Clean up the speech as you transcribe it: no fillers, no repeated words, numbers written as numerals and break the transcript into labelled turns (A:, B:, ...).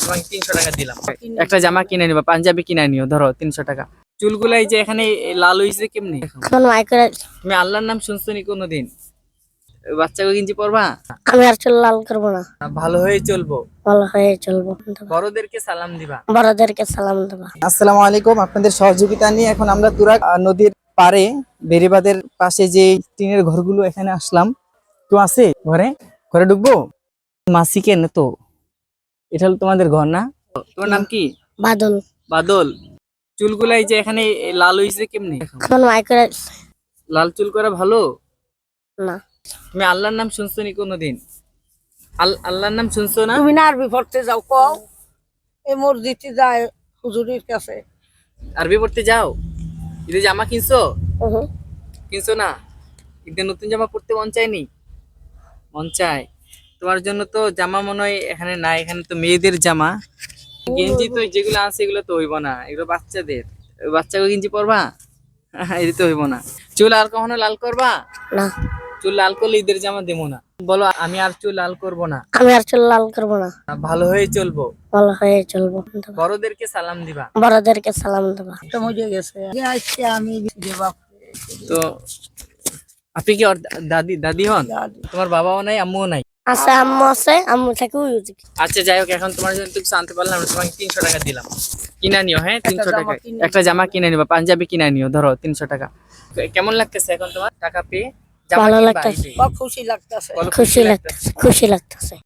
A: তোমাকে 300 টাকা দিলাম। একটা জামা কিনে নিবা, পাঞ্জাবি কিনে নিও, ধরো 300 টাকা। চুলগুলা এই যে এখানে লাল হইছে কেমনি? তুমি আল্লাহর নাম শুনছো নি কোনোদিন? বাচ্চাকে গেঞ্জি পরবা?
B: আমি আর চুল লাল করবো না,
A: ভালো হয়ে চলবো,
B: ভালো হয়ে চলবো,
A: বড়দেরকে সালাম দিবা।
B: বড়দেরকে সালাম দেবা।
C: আসসালামু আলাইকুম। আপনাদের সহযোগিতা নিয়ে এখন আমরা তুরাগ নদীর পাড়ে বেড়িবাঁধের পাশে যে টিনের ঘরগুলো এখানে আসলাম। কেউ আছে ঘরে? ঘরে ঢুকবো? মাসি কেন তো? এটা হলো তোমাদের ঘর না?
A: তোমার নাম কি?
B: বাদল।
A: বাদল। চুলগুলা এই যে এখানে লাল হইছে কেমনি?
B: এখন মাইকের
A: লাল চুল করা ভালো?
B: না।
A: তুমি আল্লাহর নাম শুনছো নি কোনোদিন? আল্লাহর নাম শুনছো না?
D: তুমি না আরবি পড়তে যাও, কও এই মসজিদে যায় হুজুরের কাছে।
A: আরবি পড়তে যাও? ঈদে জামা কিনছো? কিনছো না? ঈদে নতুন জামা পড়তে মন চায়নি? মন চায়। তোমার জন্য তো জামা মনে হয় এখানে নাই, এখানে তো মেয়েদের জামা। গেঞ্জি তো যেগুলো আছে এগুলো তো হইব না, এগুলো বাচ্চাদের। বাচ্চাকে গেঞ্জি পরবা? এটা তো হইব না। চুল আর কখনো লাল করবা
B: না,
A: চুল লাল করলে ঈদের জামা দেবো না। বলো আমি আর চুল লাল করব না,
B: আমি আর চুল লাল করবো না,
A: ভালো হয়ে চলবো,
B: ভালো হয়ে চলবো,
A: বড়দেরকে সালাম দিবা।
B: বড়দেরকে সালাম দেবা।
D: তো মজে গেছে আজকে আমি দেবা
A: তো আপনি কি ওর দাদি দাদি হন?
D: দাদি।
A: তোমার বাবাও নাই, আম্মুও নাই?
B: আছে, আম্মু আছে, আম্মু থাকে ওই ওদিকে।
A: আচ্ছা যাই হোক, এখন তোমার জন্য কিছু আনতে পারলাম না, তোমাকে 300 টাকা দিলাম। কিনা নিও, হ্যাঁ 300 টাকা। একটা জামা কিনে নিবা, পাঞ্জাবি কিনে নিও, ধরো 300 টাকা। কেমন লাগতেছে এখন তোমার টাকা পেয়ে? জামা
B: ভালো
A: কিনবা
B: লাগতেছে,
A: এই যে?
D: খুশি লাগতেছে।
A: বলো
B: খুশি লাগতেছে, খুশি লাগতেছে।